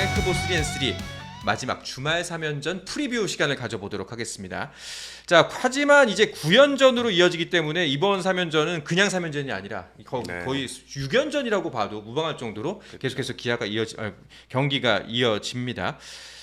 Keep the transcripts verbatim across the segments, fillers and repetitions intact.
후보 쓰리 앤 쓰리 마지막 주말 삼 연전 프리뷰 시간을 가져보도록 하겠습니다. 자, 하지만 이제 구 연전으로 이어지기 때문에 이번 삼 연전은 그냥 삼 연전이 아니라 거, 네. 거의 육 연전이라고 봐도 무방할 정도로 그렇죠. 계속해서 기아가 이어지, 아, 경기가 이어집니다.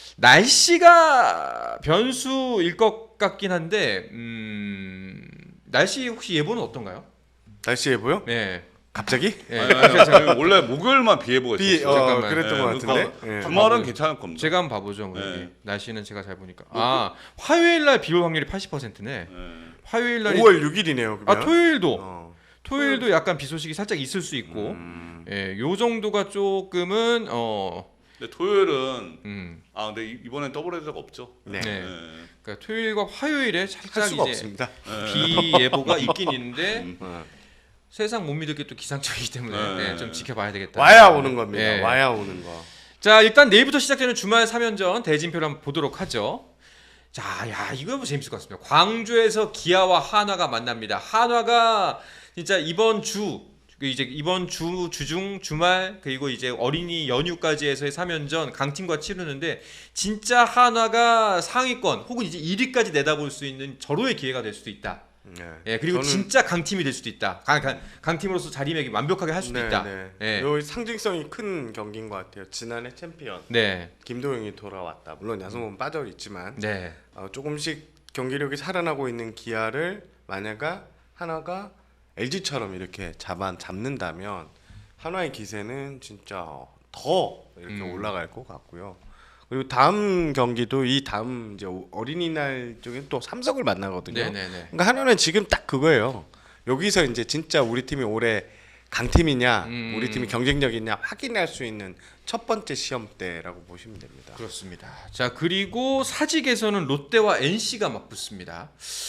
날씨가 변수일 것 같긴 한데 음, 날씨 혹시 예보는 어떤가요? 날씨 예보요? 네. 갑자기? 네. 아니, 아니, 아니, 원래 목요일만 비 예보가 비, 있었어요. 어, 잠깐만. 그랬던 네, 것 같은데. 그러니까 예. 주말은 괜찮을 겁니다. 제가 한번 봐보죠. 뭐 네. 여기. 날씨는 제가 잘 보니까. 아, 화요일 날 비 올 확률이 팔십 퍼센트네. 네. 화요일 날이 오월 육일이네요. 아, 토요일도. 어. 토요일도 약간 비 소식이 살짝 있을 수 있고. 음. 예, 요 정도가 조금은 어 근데 토요일은 음. 아 근데 이- 이번엔 더블 헤드가 없죠. 네. 네. 네. 그러니까 토요일과 화요일에 할 살짝 수가 이제 없습니다. 비 예보가 있긴 있는데 음. 어. 세상 못 믿을 게 또 기상청이기 때문에 네. 네, 좀 지켜봐야 되겠다. 와야 오는 겁니다. 예. 와야 오는 거. 자, 일단 내일부터 시작되는 주말 삼 연전 대진표를 한번 보도록 하죠. 자, 야, 이거 뭐 재밌을 것 같습니다. 광주에서 기아와 한화가 만납니다. 한화가 진짜 이번 주, 그 이제 이번 주 주중 주말 그리고 이제 어린이 연휴까지 해서의 삼 연전 강팀과 치르는데 진짜 한화가 상위권 혹은 이제 일 위까지 내다볼 수 있는 절호의 기회가 될 수도 있다. 네. 예, 그리고 저는- 진짜 강팀이 될 수도 있다. 강, 강, 강팀으로서 자리매김 완벽하게 할 수도 네, 있다. 네. 예. 요 상징성이 큰 경기인 것 같아요. 지난해 챔피언 네, 김도영이 돌아왔다. 물론 야성은 빠져 있지만 네, 어, 조금씩 경기력이 살아나고 있는 기아를 만약에 하나가 엘지처럼 이렇게 잡아 잡는다면 한화의 기세는 진짜 더 이렇게 음. 올라갈 것 같고요. 그리고 다음 경기도 이 다음 이제 어린이날 쪽에 또 삼성을 만나거든요. 네, 네, 네. 그러니까 한화는 지금 딱 그거예요. 여기서 이제 진짜 우리 팀이 올해 강팀이냐, 음. 우리 팀이 경쟁력이냐 확인할 수 있는 첫 번째 시험대라고 보시면 됩니다. 그렇습니다. 자, 그리고 사직에서는 롯데와 엔씨가 맞붙습니다.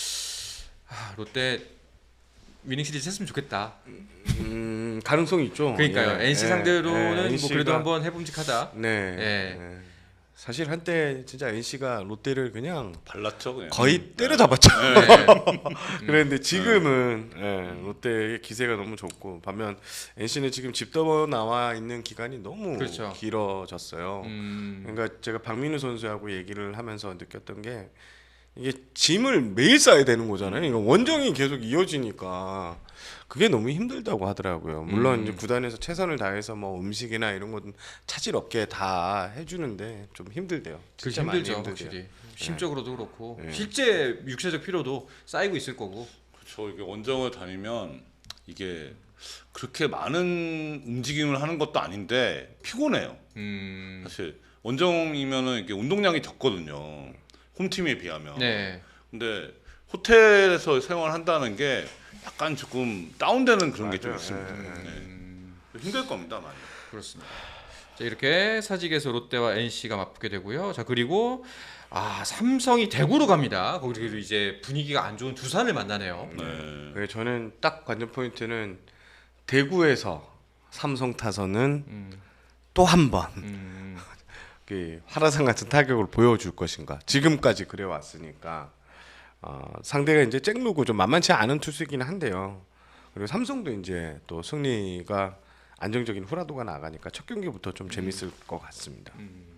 아, 롯데 위닝 시리즈 했으면 좋겠다. 음, 가능성이 있죠. 그러니까요. 예, 엔씨 예, 상대로는 예, 뭐 그래도 엔씨가 한번 해봄직하다. 네. 예. 예. 사실 한때 진짜 엔씨가 롯데를 그냥 발랐죠 그냥. 거의 때려잡았죠. 네. 그런데 지금은 예, 롯데의 기세가 너무 좋고 반면 엔씨는 지금 집 떠 나와 있는 기간이 너무 그렇죠. 길어졌어요. 음, 그러니까 제가 박민우 선수하고 얘기를 하면서 느꼈던 게 이게 짐을 매일 싸야 되는 거잖아요. 이거 원정이 계속 이어지니까 그게 너무 힘들다고 하더라고요. 물론 음. 이제 구단에서 최선을 다해서 뭐 음식이나 이런 건 차질 없게 다 해주는데 좀 힘들대요. 그 진짜 많이 힘들죠, 힘들대요. 확실히. 심적으로도 그렇고 네. 실제 육체적 피로도 쌓이고 있을 거고. 그렇죠. 이게 원정을 다니면 이게 그렇게 많은 움직임을 하는 것도 아닌데 피곤해요. 음, 사실 원정이면은 이게 운동량이 적거든요. 홈팀에 비하면. 네, 근데 호텔에서 생활한다는 게 약간 조금 다운되는 그런 게 좀 맞아요. 있습니다. 예, 예. 네. 음, 힘들 겁니다, 많이. 그렇습니다. 자, 이렇게 사직에서 롯데와 엔씨가 맞붙게 되고요. 자, 그리고 아, 삼성이 대구로 갑니다. 거기서 이제 분위기가 안 좋은 두산을 만나네요. 네. 그래서 저는 딱 관전 포인트는 대구에서 삼성 타선은 음, 또 한 번 음, 그 화라산 같은 타격을 보여줄 것인가. 지금까지 그래 왔으니까 어, 상대가 이제 잭루고 좀 만만치 않은 투수이긴 한데요. 그리고 삼성도 이제 또 승리가 안정적인 후라도가 나가니까 첫 경기부터 좀 재밌을 것 같습니다.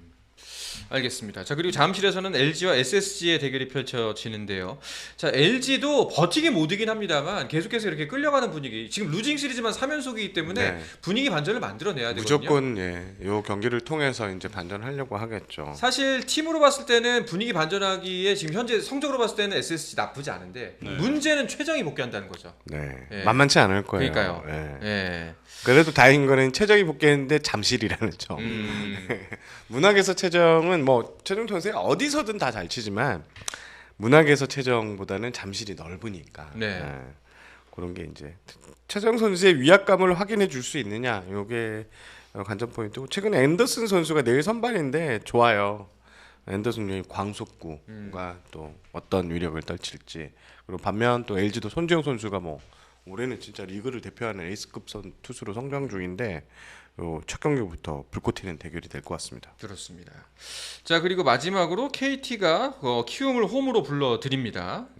알겠습니다. 자, 그리고 잠실에서는 엘지와 에스에스지의 대결이 펼쳐지는데요. 자, 엘지도 버티긴 못 이긴 합니다만 계속해서 이렇게 끌려가는 분위기. 지금 루징 시리즈만 삼 연속이기 때문에 네. 분위기 반전을 만들어내야 되거든요. 무조건 예, 요 경기를 통해서 이제 반전하려고 하겠죠. 사실 팀으로 봤을 때는 분위기 반전하기에 지금 현재 성적으로 봤을 때는 에스에스지 나쁘지 않은데 네. 문제는 최정이 복귀한다는 거죠. 네, 예. 만만치 않을 거예요. 그러니까요. 예. 예. 그래도 다행인 거는 최정이 복귀했는데 잠실이라는 점. 음, 문학에서 최정은 뭐 최정 선수 어디서든 다 잘 치지만 문학에서 최정보다는 잠실이 넓으니까 네. 예, 그런 게 이제 최정 선수의 위압감을 확인해 줄 수 있느냐 이게 관전 포인트고 최근에 앤더슨 선수가 내일 선발인데 좋아요. 앤더슨 이 광속구가 음. 또 어떤 위력을 떨칠지 그리고 반면 또 엘지도 손지영 선수가 뭐 올해는 진짜 리그를 대표하는 에이스급 선 투수로 성장 중인데 요 첫 경기부터 불꽃 튀는 대결이 될 것 같습니다. 그렇습니다. 자, 그리고 마지막으로 케이티가 어, 키움을 홈으로 불러드립니다.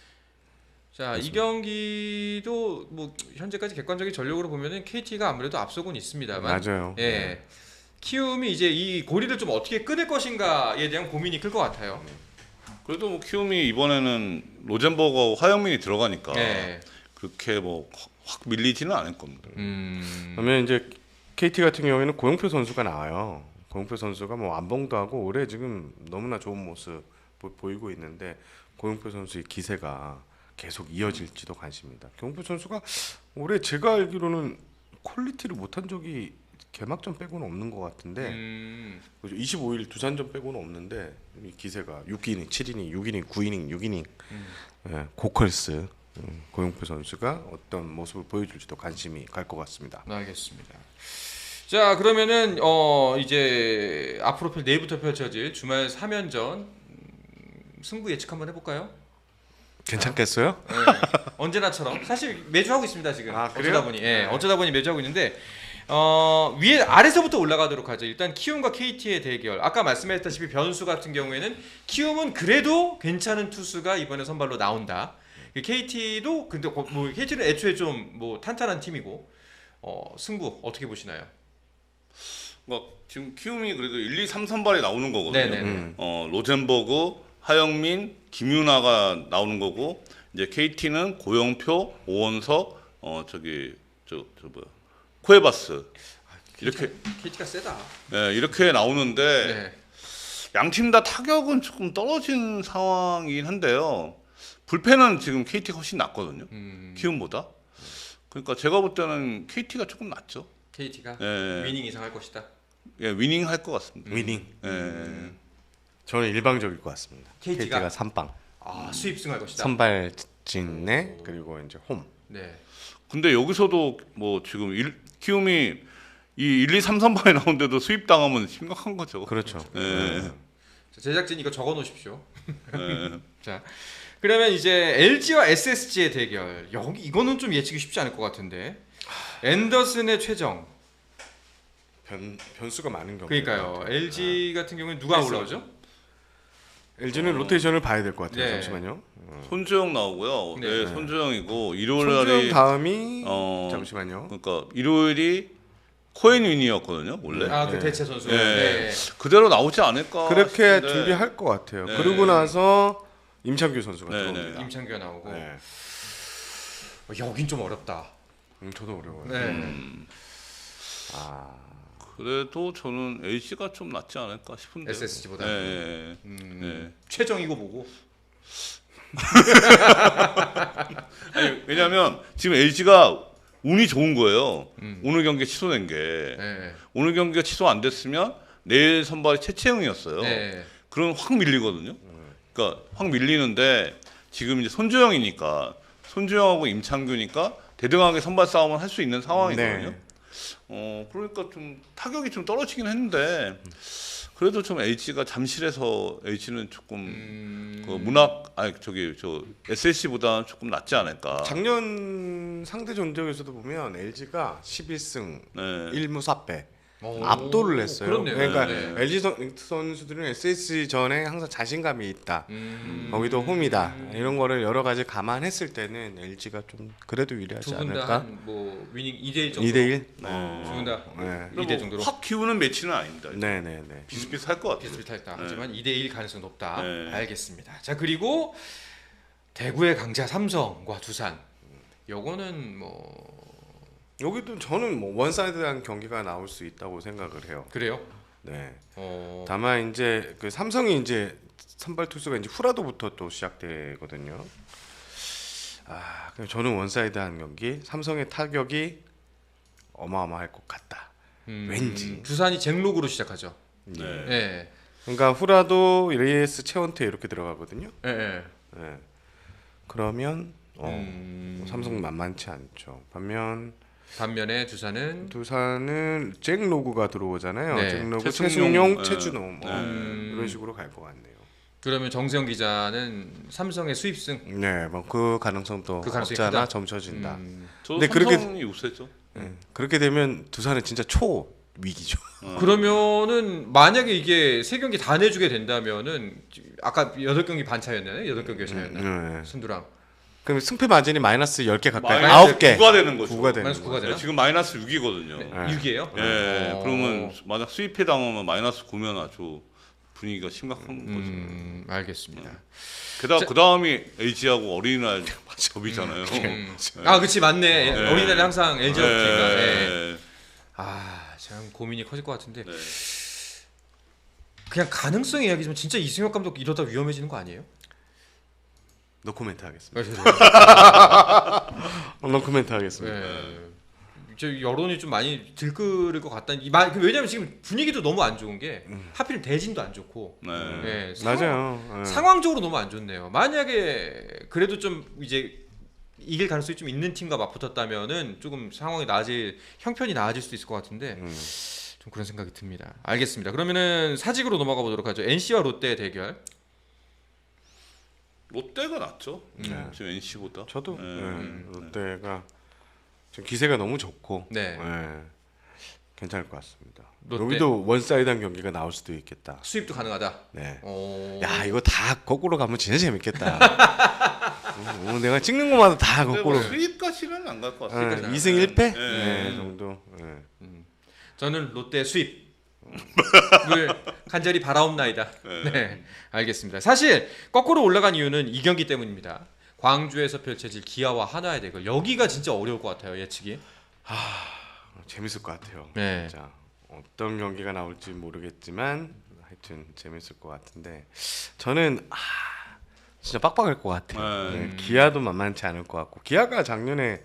자, 이 경기도 뭐 현재까지 객관적인 전력으로 보면은 케이티가 아무래도 앞서고는 있습니다만 맞아요. 예. 키움이 이제 이 고리를 좀 어떻게 끊을 것인가에 대한 고민이 클 것 같아요. 그래도 뭐 키움이 이번에는 로젠버거하고 화영민이 들어가니까 네. 그렇게 뭐 확 밀리지는 않을 겁니다. 음. 그러면 이제 케이티 같은 경우에는 고영표 선수가 나와요. 고영표 선수가 뭐 안봉도 하고 올해 지금 너무나 좋은 모습 보, 보이고 있는데 고영표 선수의 기세가 계속 이어질지도 관심입니다. 고영표 선수가 올해 제가 알기로는 퀄리티를 못한 적이 개막전 빼고는 없는 것 같은데 음. 이십오 일 두산전 빼고는 없는데 이 기세가 육 이닝, 칠 이닝, 육 이닝, 구 이닝, 육 이닝 음. 예, 고컬스 음, 고영표 선수가 어떤 모습을 보여줄지도 관심이 갈 것 같습니다. 알겠습니다. 자 그러면은 어 이제 앞으로 펼- 내일부터 펼쳐질 주말 삼 연전 음, 승부 예측 한번 해볼까요? 괜찮겠어요? 네. 언제나처럼 사실 매주 하고 있습니다 지금. 아, 그래요? 어쩌다 보니 예, 네. 어쩌다 보니 매주 하고 있는데 어 위에 아래서부터 올라가도록 하죠. 일단 키움과 케이티의 대결. 아까 말씀했다시피 변수 같은 경우에는 키움은 그래도 괜찮은 투수가 이번에 선발로 나온다. 케이티도 근데 거- 뭐 케이티는 애초에 좀 뭐 탄탄한 팀이고 어 승부 어떻게 보시나요? 그러니까 지금 키움이 그래도 일, 이, 삼 선발이 나오는 거거든요. 네네. 음. 어, 로젠버그, 하영민, 김윤아가 나오는 거고 이제 케이티는 고영표, 오원석, 어 저기 저 저 뭐야 쿠에바스 이렇게 케이티가 세다. 네, 이렇게 나오는데 네. 양 팀 다 타격은 조금 떨어진 상황이긴 한데요. 불펜은 지금 케이티가 훨씬 낫거든요. 음, 키움보다. 그러니까 제가 볼 때는 케이티가 조금 낫죠. 케이티가 예, 위닝 이상 할 것이다. 예, 위닝 할 것 같습니다. 위닝. 예. 저는 일방적일 것 같습니다. 케이티가? 케이티가 삼방 아 수입승 할 것이다. 선발진내 그리고 이제 홈. 네. 근데 여기서도 뭐 지금 일, 키움이 이 일, 이, 삼 선발에 나오는데도 수입 당하면 심각한 거죠. 그렇죠. 예. 자, 제작진 이거 적어 놓으십시오. 예. 자, 그러면 이제 엘지와 에스에스지의 대결. 여기 이거는 좀 예측이 쉽지 않을 것 같은데. 앤더슨의 최정. 변 변수가 많은 경우. 그러니까요. 엘지 같은 경우는 누가 올라오죠? 엘지는 로테이션을 봐야 될 것 같아요. 네. 잠시만요. 손주영 나오고요. 네. 네, 손주영이고 일요일 손주영 날이 다음이 어 잠시만요. 그러니까 일요일이 코엔 윈이었거든요. 원래 아, 그 네. 대체 선수. 네. 네. 그대로 나오지 않을까. 그렇게 싶은데. 준비할 것 같아요. 네. 그러고 나서 임창규 선수가 네, 들어옵니다. 임창규가 나오고. 네. 어, 여긴 좀 어렵다. 음, 저도 어려워요. 네. 음, 아, 그래도 저는 엘지가 좀 낫지 않을까 싶은데. 에스에스지보다. 네, 네, 음, 네. 최정이고 뭐고. 아니, 왜냐면 지금 엘지가 운이 좋은 거예요. 음. 오늘 경기 취소된 게. 네. 오늘 경기가 취소 안 됐으면 내일 선발이 최채영이었어요. 네. 그럼 확 밀리거든요. 그러니까 확 밀리는데 지금 이제 손주영이니까 손주영하고 임창규니까 대등하게 선발 싸움을 할 수 있는 상황이거든요. 네. 어 그러니까 좀 타격이 좀 떨어지긴 했는데 그래도 좀 엘지가 잠실에서 엘지는 조금 음. 그 문학 아니 저기 저 에스에스씨보다는 조금 낫지 않을까. 작년 상대 전적에서도 보면 엘지가 십일 승 네. 일 무 사 패 오, 압도를 했어요. 그렇네요. 그러니까 네. 엘지 선, 선수들은 에스에스지 전에 항상 자신감이 있다. 음. 거기도 홈이다. 이런 거를 여러 가지 감안했을 때는 엘지가 좀 그래도 유리하지 두분 않을까? 다뭐 위닝 이 대 일 정도. 이 대 일? 어. 두분 다 네. 이 대 정도로. 확 키우는 매치는 아닙니다. 네, 네, 네. 비슷비슷할 것 같아요. 비슷비슷했다. 네. 하지만 이 대 일 가능성 높다. 네. 알겠습니다. 자 그리고 대구의 강자 삼성과 두산. 요거는 뭐 여기도 저는 뭐 원사이드한 경기가 나올 수 있다고 생각을 해요. 그래요? 네. 어. 다만 이제 그 삼성이 이제 선발 투수가 이제 후라도부터 또 시작되거든요. 아, 그럼 저는 원사이드한 경기, 삼성의 타격이 어마어마할 것 같다. 음, 왠지. 두산이 잭록으로 시작하죠. 네. 예. 그러니까 후라도, 레이스, 최원태 이렇게 들어가거든요. 예. 예. 네. 그러면 어, 음. 삼성 만만치 않죠. 반면 반면에 두산은 두산은 잭 로그가 들어오잖아요. 네. 잭 로그, 최승용, 최승용, 네. 최준호 뭐 음. 이런 식으로 갈 것 같네요. 그러면 정세영 기자는 삼성의 수입승. 네, 뭐 그 가능성도 그 가능성이 없잖아 크다. 점쳐진다. 음. 저도 근데 그렇게- 삼성이 우세죠. 네. 그렇게 되면 두산은 진짜 초 위기죠. 어. 그러면은 만약에 이게 세 경기 다 내주게 된다면은 아까 여덟 경기 반 차였나요? 여덟 경기 차였나? 네. 순두랑. 그럼 승패 마진이 마이너스 십 개 가까이 마이너스 아홉 개 구가 되는 거죠. 구가 되는 마이너스 구가 거죠. 되나? 지금 마이너스 육이거든요. 네. 육이에요? 예, 어. 그러면 만약 수입해 당하면 마이너스 구면 아주 분위기가 심각한 거죠. 음, 알겠습니다. 게다가 그 다음이 엘지하고 어린이날 접이잖아요. 음. 아, 그치 맞네. 네. 어린이날에 항상 엘지가 붙으니까. 네. 네. 아, 참 고민이 커질 것 같은데 네. 그냥 가능성 이야기지만 진짜 이승엽 감독 이러다 위험해지는 거 아니에요? 노 코멘트 하겠습니다. 아, 죄송합니다. 어, 노 코멘트 하겠습니다. 네. 저 여론이 좀 많이 들끓을 것 같다는 이 말. 왜냐면 지금 분위기도 너무 안 좋은 게 하필 대진도 안 좋고. 네. 네, 상황- 맞아요. 예. 상황적으로 너무 안 좋네요. 만약에 그래도 좀 이제 이길 가능성이 좀 있는 팀과 맞붙었다면은 조금 상황이 나아질 형편이 나아질 수도 있을 것 같은데 음. 좀 그런 생각이 듭니다. 알겠습니다. 그러면은 사직으로 넘어가 보도록 하죠. 엔씨와 롯데 대결. 롯데가 낫죠. 네. 지금 엔씨보다. 저도 네. 예, 음. 롯데가 지금 기세가 너무 좋고 네. 예, 괜찮을 것 같습니다. 롯데. 여기도 원사이드한 경기가 나올 수도 있겠다. 수입도 가능하다. 네. 어... 야 이거 다 거꾸로 가면 진짜 재밌겠다. 어, 오늘 내가 찍는 것마다 다 근데 거꾸로. 뭐 수입까지는 안 갈 것 같아요. 수입까지는 이 승 일 패 네. 네, 정도. 예. 저는 롯데 수입을 간절히 바라옵나이다. 네. 네, 알겠습니다. 사실 거꾸로 올라간 이유는 이 경기 때문입니다. 광주에서 펼쳐질 기아와 한화의 대결. 여기가 진짜 어려울 것 같아요. 예측이. 재밌을 것 같아요. 네. 진짜 어떤 경기가 나올지 모르겠지만 하여튼 재밌을 것 같은데 저는 아, 진짜 빡빡할 것 같아요. 네. 네, 기아도 만만치 않을 것 같고 기아가 작년에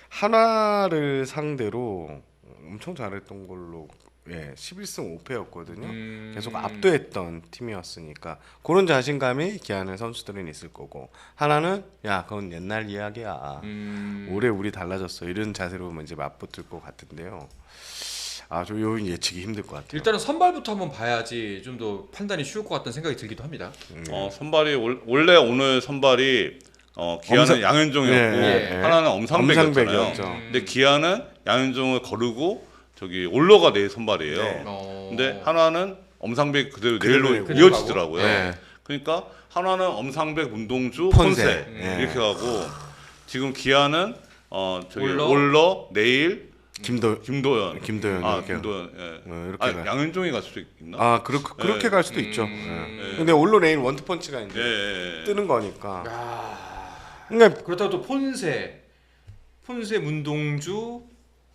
한화를 상대로 엄청 잘했던 걸로 예, 십일 승 오 패였거든요. 음... 계속 압도했던 팀이었으니까 그런 자신감이 기아는 선수들은 있을 거고 하나는 야 그건 옛날 이야기야. 음... 올해 우리 달라졌어 이런 자세로 이제 맞붙을 것 같은데요. 아저 요 예측이 힘들 것 같아요. 일단은 선발부터 한번 봐야지 좀 더 판단이 쉬울 것 같다는 생각이 들기도 합니다. 음. 어, 선발이 올, 원래 오늘 선발이 어, 기아는 엄상- 양현종이었고 네, 네. 하나는 엄상백이었잖아요. 엄상백이었죠. 근데 기아는 양현종을 거르고 저기 올러가 내 선발이에요. 네. 어... 근데 한화는 엄상백 그대로 그대로 내일로 내고. 이어지더라고요. 네. 그러니까 한화는 엄상백, 문동주, 폰세. 폰세, 네. 이렇게 가고 지금 기아는 어 저기 올러. 올러, 내일 김도 김도현, 김도현 아 이렇게. 김도현, 예. 어, 이렇게 아, 가. 양현종이 갈 수도 있나? 아 그렇게 그렇게 네. 갈 수도 음. 있죠. 네. 예. 근데 올로 내일 원투펀치가 이제 예, 예, 예. 뜨는 거니까. 야... 그러니까 그렇다고 또 폰세, 폰세, 문동주,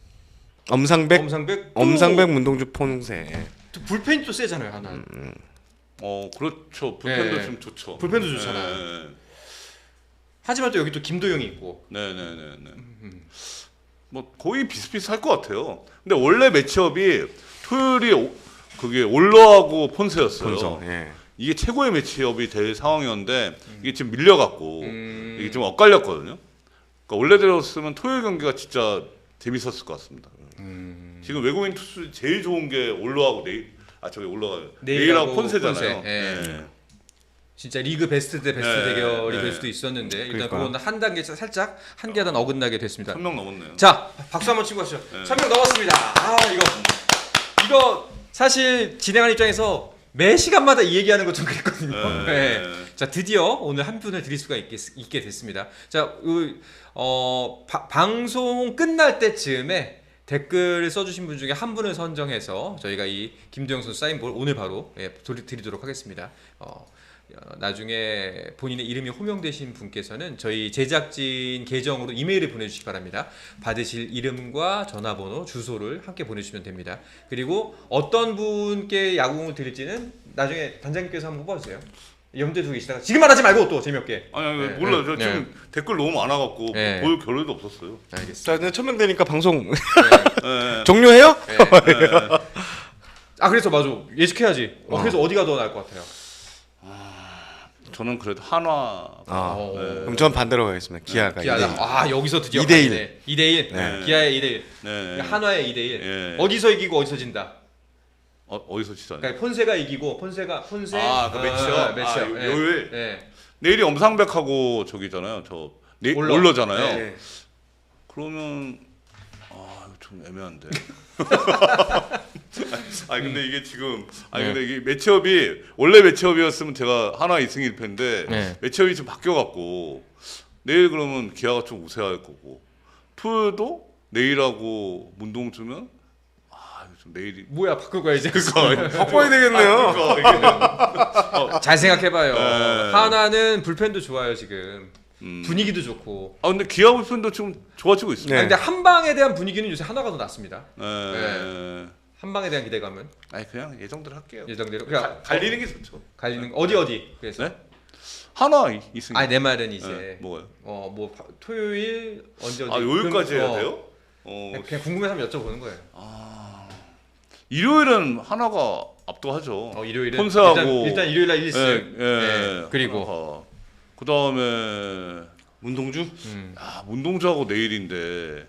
엄상백 엄상백, 또, 엄상백 문동주 폰세. 또 불펜이 또 세잖아요 하나. 음. 어 그렇죠. 불펜도 네. 좀 좋죠. 불펜도 좋잖아요. 네, 하지만 또 여기 또 김도영이 있고. 네, 네, 네. 네. 음. 뭐 거의 비슷비슷할 것 같아요. 근데 원래 매치업이 토요일이 오, 그게 올러하고 폰세였어요. 본성. 예. 이게 최고의 매치업이 될 상황이었는데 이게 지금 밀려갖고 음. 이게 좀 엇갈렸거든요. 그러니까 원래대로였으면 토요일 경기가 진짜 재밌었을 것 같습니다. 음. 지금 외국인 투수 제일 좋은 게 올러하고 네일 아 저기 올러가 네일하고 네일하고 폰세잖아요. 폰세. 예. 네. 진짜 리그 베스트 대 베스트 네, 대결이 네. 될 수도 있었는데 일단 그러니까. 그건 한 단계 살짝 한 계단 어긋나게 됐습니다. 천 명 넘었네요. 자 박수 한번 치고 가시죠. 네. 천 명 넘었습니다. 아 이거 이거 사실 진행하는 입장에서 매 시간마다 이 얘기하는 것 좀 그랬거든요. 네. 네. 자 드디어 오늘 한 분을 드릴 수가 있게, 있게 됐습니다. 자 그, 어, 바, 방송 끝날 때쯤에 댓글 써주신 분 중에 한 분을 선정해서 저희가 이 김도영 선수 사인볼 오늘 바로 예, 도리- 드리도록 하겠습니다. 어, 어, 나중에 본인의 이름이 호명되신 분께서는 저희 제작진 계정으로 이메일을 보내주시기 바랍니다. 받으실 이름과 전화번호, 주소를 함께 보내주시면 됩니다. 그리고 어떤 분께 야구공을 드릴지는 나중에 단장님께서 한번 뽑아주세요. 염두에 두고 계시다가 지금 말하지 말고 또 재미없게. 아니, 아니 네, 몰라요. 네, 저 지금 댓글 너무 많아갖고 네. 볼 겨를도 없었어요. 알겠습니다. 자 이제 천명 되니까 방송 네. 종료해요? 네. 네. 아 그래서 맞아 예측해야지. 어, 어. 그래서 어디가 더 나을 것 같아요? 저는 그래도 한화. 아, 어. 그럼 전 반대로 가겠습니다. 기아가 기아다. 이 대 일. 아 여기서 드디어 이 대 일. 가네. 이 대 일. 네. 기아의 이 대 일. 네. 한화의 이 대 일. 예. 어디서 이기고 어디서 진다. 어, 어디서 치잖아요. 그러니까 폰세가 이기고 폰세가 폰세. 아, 그 매치업? 어, 매치업. 아, 예. 요일? 예. 내일이 엄상백하고 저기잖아요. 저 네, 올러. 올러잖아요. 네. 그러면 아 이거 좀 애매한데. 아니 근데 이게 지금 아니 네. 근데 이게 매치업이 원래 매치업이었으면 제가 하나 이 승 일 패인데 네. 매치업이 좀 바뀌어 갖고 내일 그러면 기아가 좀 우세할 거고 토요일도 내일하고 문동주면 아 좀 내일이 뭐야 바꾸고 가야지. 바꿔야 되겠네요. 아, 잘 생각해봐요. 네. 하나는 불펜도 좋아요 지금. 음. 분위기도 좋고. 아 근데 기아 불펜도 지금 좋아지고 있습니다. 네. 아, 근데 한방에 대한 분위기는 요새 하나가 더 낫습니다. 네. 한방에 대한 기대감은 아니 그냥 예정대로 할게요. 예정대로 가, 그냥 갈리는 게 좋죠. 갈리는 거. 어디 어디 그래서. 네? 하나 이- 있으니까. 아니 내 말은 이제 네, 뭐가요? 어뭐 토요일 언제 어디 아 요일까지 그럼, 해야 어, 돼요? 어, 그냥 궁금해서 한번 여쭤보는 거예요. 일요일은 하나가 압도하죠. 어, 일요일은 폰세하고 일단, 일단 일요일 날 일 승. 예, 예. 그리고 그 다음에 문동주? 음. 아, 문동주하고 내일인데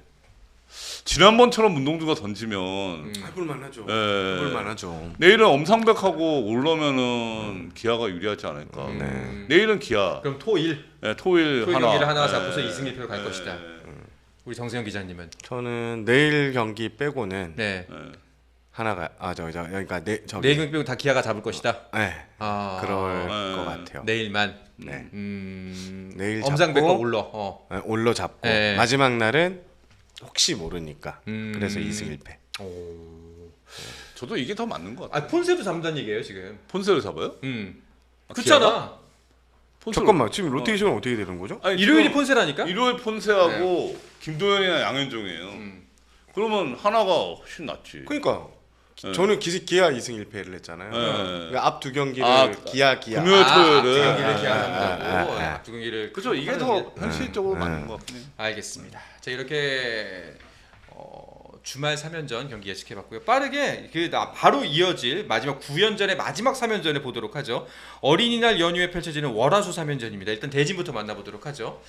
지난번처럼 문동주가 던지면 음. 해볼 만하죠. 예. 해볼 만하죠. 내일은 엄상백하고 올라면은 기아가 유리하지 않을까. 음. 내일은 기아. 그럼 토일 예, 토일, 토일 하나. 경기를 하나가 예. 잡고서 이 승 일 패로 갈 예. 것이다. 우리 정세영 기자님은 저는 내일 경기 빼고는 네 예. 하나가 아 저기 저 그러니까 내 저기 내일 경기 빼고 다 기아가 잡을 것이다. 네, 아 그럴 네. 것 같아요. 내일만. 네. 음. 내일 엄상백과 잡고 올러. 어. 네, 올로 잡고 네. 마지막 날은 혹시 모르니까 음. 그래서 이 승 일 패. 오. 저도 이게 더 맞는 것 같아요. 아 폰세도 잡는다는 얘기예요 지금. 폰세를 잡아요? 음. 아, 그렇잖아. 폰세를- 잠깐만 지금 로테이션은 어. 떻게 되는 거죠? 아니, 일요일이 지금 폰세라니까? 일요일 폰세하고 김도현이나 양현종이에요. 음. 그러면 하나가 훨씬 낫지. 그러니까 네. 저는 기, 기아 이 승 일 패를 했잖아요. 네. 그러니까 앞 두 경기를 아, 기아 기아. 금요일 아, 토요일은- 앞두 경기를 아, 기약한다고. 아, 아, 아. 앞두 경기를 그죠? 이게 하는 더 게- 현실적으로 네. 맞는 것 같긴 해요. 알겠습니다. 자 이렇게 어, 주말 삼 연전 경기 예측해봤고요. 빠르게 그 나- 바로 이어질 마지막 구 연전의 마지막 삼 연전을 보도록 하죠. 어린이날 연휴에 펼쳐지는 월화수 삼 연전입니다. 일단 대진부터 만나보도록 하죠.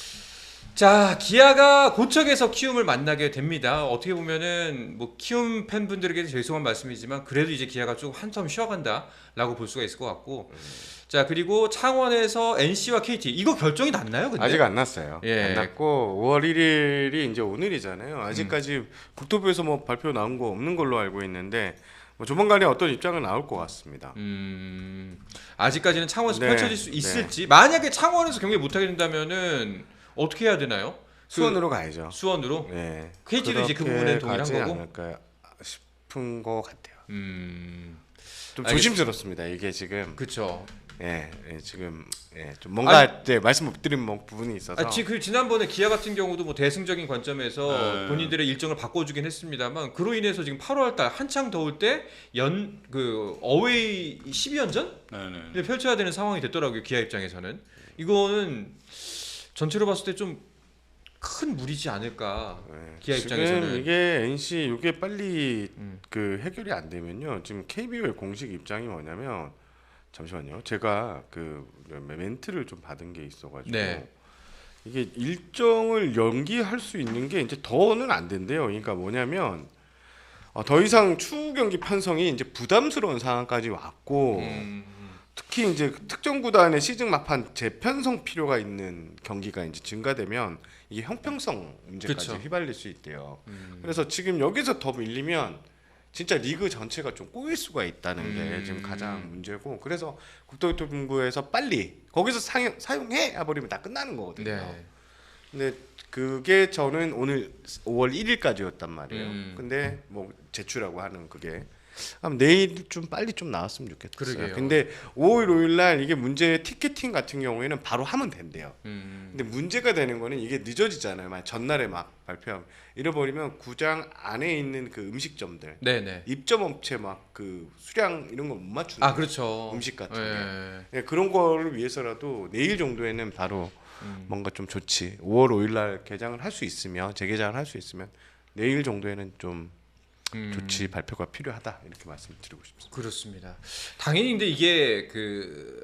자 기아가 고척에서 키움을 만나게 됩니다. 어떻게 보면은 뭐 키움 팬분들에게 죄송한 말씀이지만 그래도 이제 기아가 조금 한텀 쉬어간다라고 볼 수가 있을 것 같고 자 그리고 창원에서 엔씨와 케이티 이거 결정이 났나요? 근데? 아직 안 났어요. 예. 안 났고 오월 일일이 이제 오늘이잖아요. 아직까지 음. 국토부에서 뭐 발표 나온 거 없는 걸로 알고 있는데 뭐 조만간에 어떤 입장은 나올 것 같습니다. 음 아직까지는 창원에서 네, 펼쳐질 수 있을지 만약에 창원에서 경기 못하게 된다면은 어떻게 해야 되나요? 수원으로 가야죠. 수원으로 네. 케이티도 이제 그 그렇게 부분엔 동일한 가지 거고? 않을까 싶은 것 같아요. 음 좀 알겠습니다. 조심스럽습니다. 이게 지금 그쵸. 예, 예, 지금 예, 좀 뭔가 네, 말씀 못 드린 뭐 부분이 있어서 아, 지, 그 지난번에 기아 같은 경우도 뭐 대승적인 관점에서 네. 본인들의 일정을 바꿔주긴 했습니다만 그로 인해서 지금 팔월달 한창 더울 때 연 그 어웨이 십이 연전 네네. 펼쳐야 되는 상황이 됐더라고요. 기아 입장에서는 이거는 전체로 봤을 때 좀 큰 무리지 않을까. 예, 기아 지금 입장에서는. 이게 엔씨 이게 빨리 음. 그 해결이 안 되면요. 지금 케이비오의 공식 입장이 뭐냐면 잠시만요. 제가 그 멘트를 좀 받은 게 있어가지고 네. 이게 일정을 연기할 수 있는 게 이제 더는 안 된대요. 그러니까 뭐냐면 어, 더 이상 추후 경기 편성이 이제 부담스러운 상황까지 왔고 음, 특히 이제 특정 구단의 시즌 막판 재편성 필요가 있는 경기가 이제 증가되면 이게 형평성 문제까지 그쵸. 휘발릴 수 있대요. 음. 그래서 지금 여기서 더 밀리면 진짜 리그 전체가 좀 꼬일 수가 있다는 음. 게 지금 가장 문제고 그래서 국토교통부에서 빨리 거기서 사용, 사용해 해버리면 다 끝나는 거거든요. 네. 근데 그게 저는 오늘 오월 일일까지였단 말이에요. 음. 근데 뭐 제출하고 하는 그게 아마 내일 좀 빨리 좀 나왔으면 좋겠어요. 그러게요. 근데 오월 오일 날 이게 문제 티켓팅 같은 경우에는 바로 하면 된대요. 음. 근데 문제가 되는 거는 이게 늦어지잖아요. 만약 전날에 막 발표하면 잃어버리면 구장 안에 있는 그 음식점들 네네. 입점 업체 막 그 수량 이런 거 못 맞추는 아 그렇죠. 음식 같은 게 네. 예, 그런 거를 위해서라도 내일 정도에는 바로 음. 뭔가 좀 좋지. 오월 오일 날 개장을 할 수 있으면 재개장을 할 수 있으면 내일 정도에는 좀 음. 좋지 발표가 필요하다 이렇게 말씀드리고 싶습니다. 그렇습니다. 당연히 근데 이게 그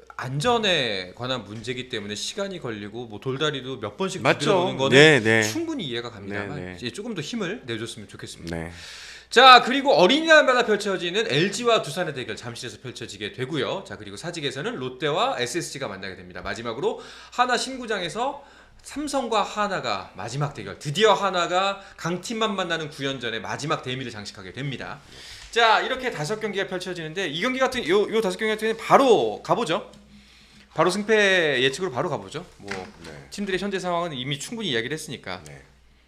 안전에 관한 문제이기 때문에 시간이 걸리고 뭐 돌다리도 몇 번씩 맞죠? 들어오는 거는 네, 네. 충분히 이해가 갑니다만 네, 네. 이제 조금 더 힘을 내줬으면 좋겠습니다. 네. 자 그리고 어린이날마다 펼쳐지는 엘지와 두산의 대결 잠실에서 펼쳐지게 되고요. 자 그리고 사직에서는 롯데와 에스에스지가 만나게 됩니다. 마지막으로 하나 신구장에서 삼성과 하나가 마지막 대결 드디어 하나가 강팀만 만나는 구 연전의 마지막 대미를 장식하게 됩니다. 자 이렇게 다섯 경기가 펼쳐지는데 이 경기 같은 요, 요 다섯 경기 같은 경우는 바로 가보죠. 바로 승패 예측으로 바로 가보죠. 뭐 네. 팀들의 현재 상황은 이미 충분히 이야기를 했으니까. 네.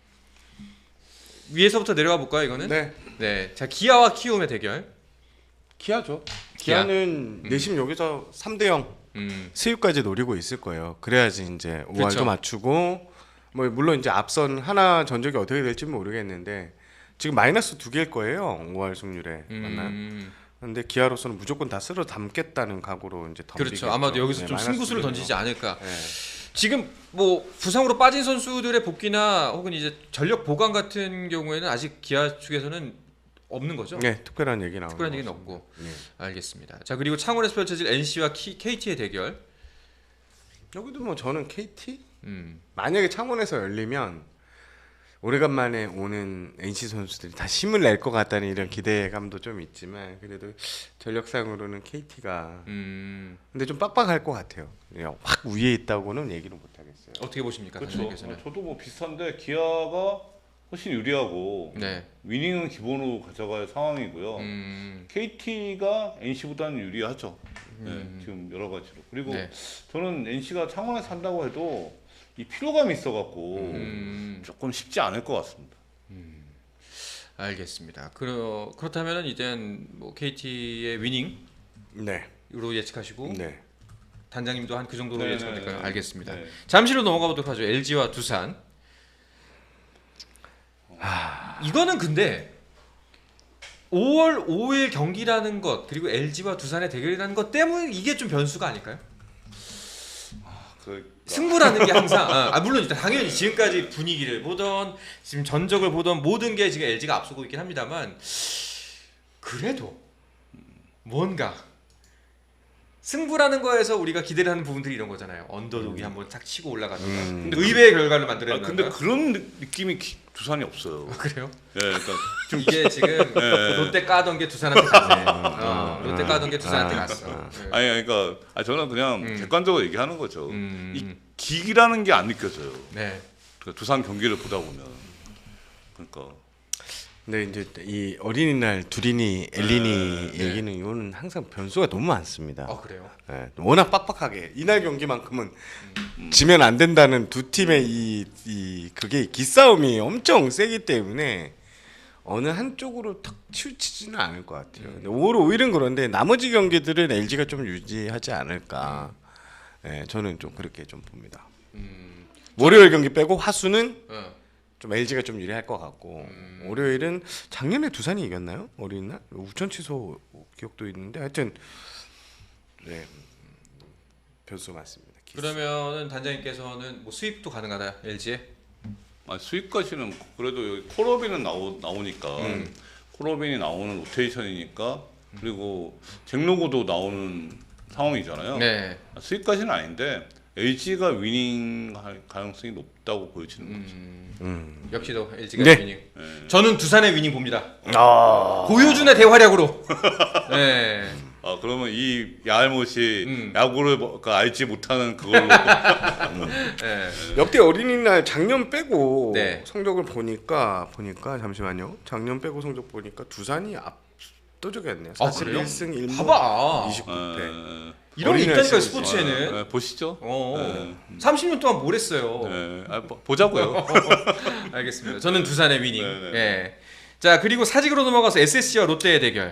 위에서부터 내려가 볼까요, 이거는? 네. 네. 자, 기아와 키움의 대결. 기아죠. 기아. 기아는 내심 여기서 삼 대 영 음. 수입까지 노리고 있을 거예요. 그래야지 이제 오 할도 그렇죠. 맞추고 뭐 물론 이제 앞선 하나 전적이 어떻게 될지 모르겠는데 지금 마이너스 두 개일 거예요. 오 할 승률에 맞나요? 음. 근데 기아로서는 무조건 다 쓸어 담겠다는 각오로 이제 덤비겠죠. 그렇죠. 아마도 여기서 네, 좀 마이너스 승부수를 두 개네요. 던지지 않을까. 네. 지금 뭐 부상으로 빠진 선수들의 복귀나 혹은 이제 전력 보강 같은 경우에는 아직 기아 측에서는 없는 거죠. 네, 특별한 얘기 나오는 특별한 거 얘기는 없습니다. 없고. 네. 알겠습니다. 자, 그리고 창원에서 펼쳐질 엔씨와 케이티의 대결. 여기도 뭐 저는 케이티 음. 만약에 창원에서 열리면 오래간만에 오는 엔씨 선수들이 다 힘을 낼 것 같다는 이런 기대감도 좀 있지만 그래도 전력상으로는 케이티가 음. 근데 좀 빡빡할 것 같아요. 그냥 확 위에 있다고는 얘기는 못 하겠어요. 어떻게 보십니까, 그렇죠. 단장님께서는? 어, 저도 뭐 비슷한데 기아가 훨씬 유리하고 네. 위닝은 기본으로 가져갈 상황이고요. 음. 케이티가 엔씨보다는 유리하죠. 네, 음. 지금 여러 가지로. 그리고 네. 저는 엔씨가 창원에서 산다고 해도 이 피로감이 있어갖고 음. 조금 쉽지 않을 것 같습니다. 알겠습니다. 그러, 그렇다면은 이젠 뭐 케이티의 위닝으로 네. 예측하시고 네. 단장님도 한 그 정도로 네, 예측하면 될까요? 네, 알겠습니다. 네. 잠시로 넘어가 보도록 하죠. 엘지와 두산. 이거는 근데 오월 오일 경기라는 것 그리고 엘지와 두산의 대결이라는 것 때문에 이게 좀 변수가 아닐까요? 그 승부라는 게 항상 아, 아, 물론 일단 당연히 지금까지 분위기를 보던 지금 전적을 보던 모든 게 지금 엘지가 앞서고 있긴 합니다만 그래도 뭔가 승부라는 거에서 우리가 기대를 하는 부분들이 이런 거잖아요. 언더독이 한번 탁 치고 올라가든가 음. 의외의 결과를 아, 만들어내는 근데 그런 느- 느낌이 기- 두산이 없어요. 그래요? 예, 그러니까 좀 이게 지금 네. 롯데 까던 게 두산한테 갔네. 어, 롯데 까던 게 두산한테 아, 갔어. 네. 아니 그러니까 아, 저는 그냥 음. 객관적으로 얘기하는 거죠. 음. 이 기기라는 게 안 느껴져요. 네. 그러니까 두산 경기를 보다 보면 그러니까 근데 이제 이 어린이날 두린이 엘리니 네. 얘기는 이거는 항상 변수가 너무 많습니다. 아 그래요? 네, 워낙 빡빡하게 이날 경기만큼은 지면 안 된다는 두 팀의 이, 이 그게 기싸움이 엄청 세기 때문에 어느 한쪽으로 탁 치우치지는 않을 것 같아요. 근데 오월 오일은 그런데 나머지 경기들은 엘지가 좀 유지하지 않을까. 네, 저는 좀 그렇게 좀 봅니다. 음. 월요일 경기 빼고 화수는 어. 좀 엘지가 좀 유리할 것 같고 월요일은 작년에 두산이 이겼나요? 어린이날 우천 취소 기억도 있는데 하여튼 네 변수 많습니다. 그러면은 단장님께서는 뭐 수입도 가능하다 엘지에? 아, 수입까지는 그래도 여기 콜업인은 나오 나오니까 음. 콜업인이 나오는 로테이션이니까 그리고 잭로고도 나오는 상황이잖아요. 네. 아, 수입까지는 아닌데 엘지가 위닝 할 가능성이 높다고 보여지는 거죠. 음. 음. 역시도 엘지가 네. 위닝. 예. 저는 두산의 위닝 봅니다. 아 고효준의 대활약으로. 네. 아 그러면 이 야알못이 음. 야구를 뭐- 그 알지 못하는 그걸로 네. 역대 어린이날 작년 빼고 네. 성적을 보니까 보니까 잠시만요. 작년 빼고 성적 보니까 두산이 압도적이었네요. 아, 사십일 그래요? 승 일 무 봐봐. 이십구 패. 어, 이런 게 어린이날 있다니까요 시리즈. 스포츠에는. 어, 보시죠. 어. 네. 삼십 년 동안 뭘 했어요. 네. 아, 보- 보자고요. 알겠습니다. 저는 두산의 위닝. 네, 네. 예. 자 그리고 사직으로 넘어가서 에스에스지와 롯데의 대결.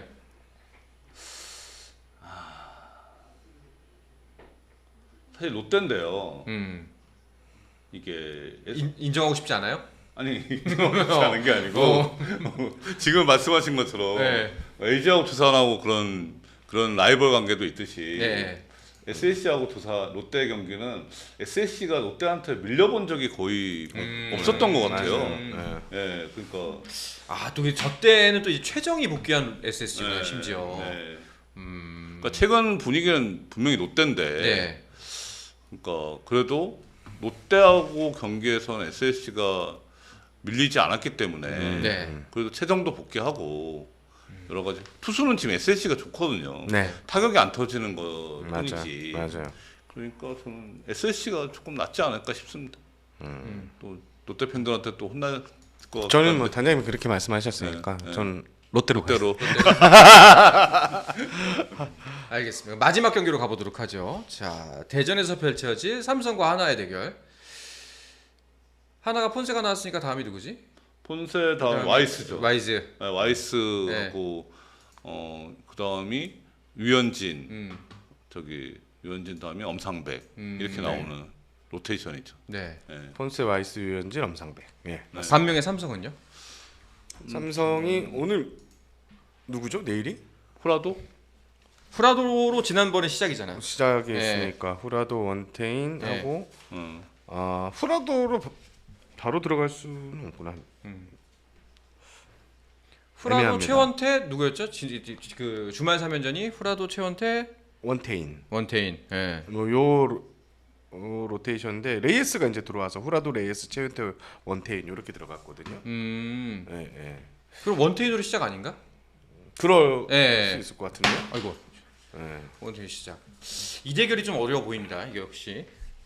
사실 롯데인데요. 음. 이게 인, 인정하고 싶지 않아요? 아니 그렇지 않은 게 아니고 어. 지금 말씀하신 것처럼 네. 엘지하고 두산하고 그런 그런 라이벌 관계도 있듯이 네. 에스에스지하고 두산 롯데 경기는 에스에스지가 롯데한테 밀려본 적이 거의 뭐 음. 없었던 것 같아요. 맞아요. 음. 네. 예, 그러니까 아또저 때는 또 이제 최정이 복귀한 에스에스지가 네, 심지어. 네. 음. 그러니까 최근 분위기는 분명히 롯데인데, 네. 그러니까 그래도 롯데하고 경기에서는 에스에스지가 밀리지 않았기 때문에 네. 그래도 최정도 복귀하고 여러 가지 투수는 지금 에스에스지가 좋거든요. 네. 타격이 안 터지는 맞아. 것뿐이지. 맞아요. 그러니까 저는 에스에스지가 조금 낫지 않을까 싶습니다. 음. 또 롯데 팬들한테 또 혼날 것 저는 뭐 같은데. 단장님이 그렇게 말씀하셨으니까 네, 네. 저는 롯데로 가요. 롯데로. 알겠습니다. 마지막 경기로 가보도록 하죠. 자, 대전에서 펼쳐질 삼성과 하나의 대결. 하나가 폰세가 나왔으니까 다음이 누구지? 폰세 다음 그다음에 와이스죠. 와이즈. 네, 와이스하고 어 그다음이 유현진 음, 저기 유현진 다음에 엄상백 음, 이렇게 네. 나오는 로테이션이죠. 네. 네. 폰세, 와이스, 유현진, 엄상백. 예. 반면에 삼성은요? 삼성이 오늘 누구죠? 내일이? 후라도 후라도로 지난번에 시작이잖아요. 시작이 네. 있으니까 후라도 원태인 네. 하고 음. 아 후라도로 바- 바로 들어갈 수는 없구나. 후라도 애매합니다. 최원태 누구였죠? 지, 지, 지, 그 주말 삼 연전이 후라도 최원태 원태인. 원태인. 예. 뭐요 어, 로테이션인데 레이스가 이제 들어와서 후라도, 레이스, 최은태, 원태인 이렇게 들어갔거든요. 음. 예, 예. 그럼 원태인으로 시작 아닌가? 그럴 예. 수 있을 것 같은데요. 아이고. 예. 원태인 시작. 이 대결이 좀 어려워 보입니다. 이게 역시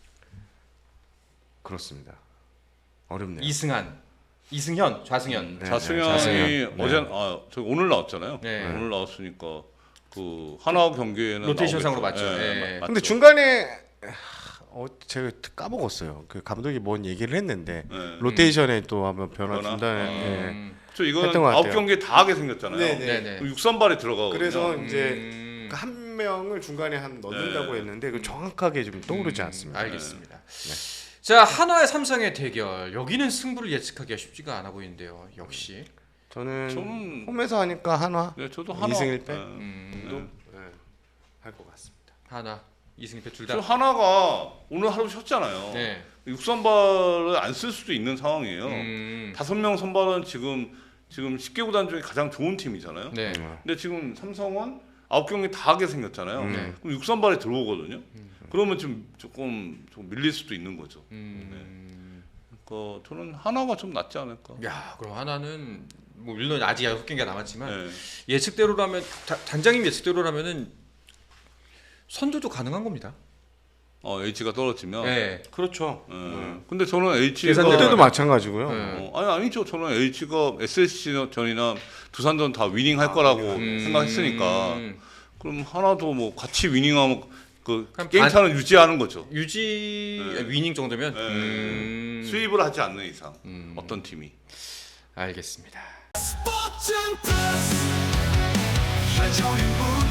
그렇습니다. 어렵네요. 이승한, 이승현, 좌승현. 네, 자승현이 자승현. 어제 네. 아 저기 오늘 나왔잖아요. 네. 오늘 나왔으니까 그 하나 경기에는 로테이션상으로 나오겠죠. 맞죠. 예, 예. 맞- 근데 맞죠. 중간에 어, 제가 까먹었어요. 그 감독이 뭔 얘기를 했는데 네. 로테이션에 또 한번 변화 변화? 준다는. 아. 예. 음. 저 이거는 했던 것 아홉 같아요. 경기 다 하게 생겼잖아요. 네, 네, 네. 육선발에 들어가거든요. 그래서 이제 음. 그한 명을 중간에 한 넣는다고 네. 했는데 그 정확하게 좀 떠오르지 음, 않습니다. 알겠습니다. 자, 하나의 삼성의 대결. 여기는 승부를 예측하기가 쉽지가 않아 보이는데요. 역시. 저는 좀- 홈에서 하니까 한화 네, 저도 하나 이승 일 패? 네. 음, 도 할 것 같습니다. 하나, 이승패 둘 저 다. 하나가 오늘 하루 쉬었잖아요. 네. 육선발을 안 쓸 수도 있는 상황이에요. 음, 다섯 명 선발은 지금 지금 십 개 구단 중에 가장 좋은 팀이잖아요. 네. 음. 근데 지금 삼성은 아홉 경기 다 하게 생겼잖아요. 네. 그럼 육선발에 들어오거든요. 그러면 좀 조금 좀 밀릴 수도 있는 거죠. 음. 그러니까 저는 하나가 좀 낫지 않을까. 야, 그럼 하나는 뭐 물론 아직 여섯 경기가 남았지만 네. 예측대로라면 다, 단장님 예측대로라면은 선두도 가능한 겁니다. 어 H가 떨어지면. 네. 그렇죠. 예. 네. 근데 저는 H가 계산대로 그때도 하면- 마찬가지고요. 네. 어, 아니 아니죠. 저는 H가 에스에스지전이나 두산전 다 위닝할 거라고 음. 생각했으니까. 그럼 하나도 뭐 같이 위닝하면 그 그럼 게임차는 유지하는 거죠. 유지 네. 위닝 정도면 네. 음, 수입을 하지 않는 이상 음. 어떤 팀이. 알겠습니다. 스포츠 플러스 한정의 무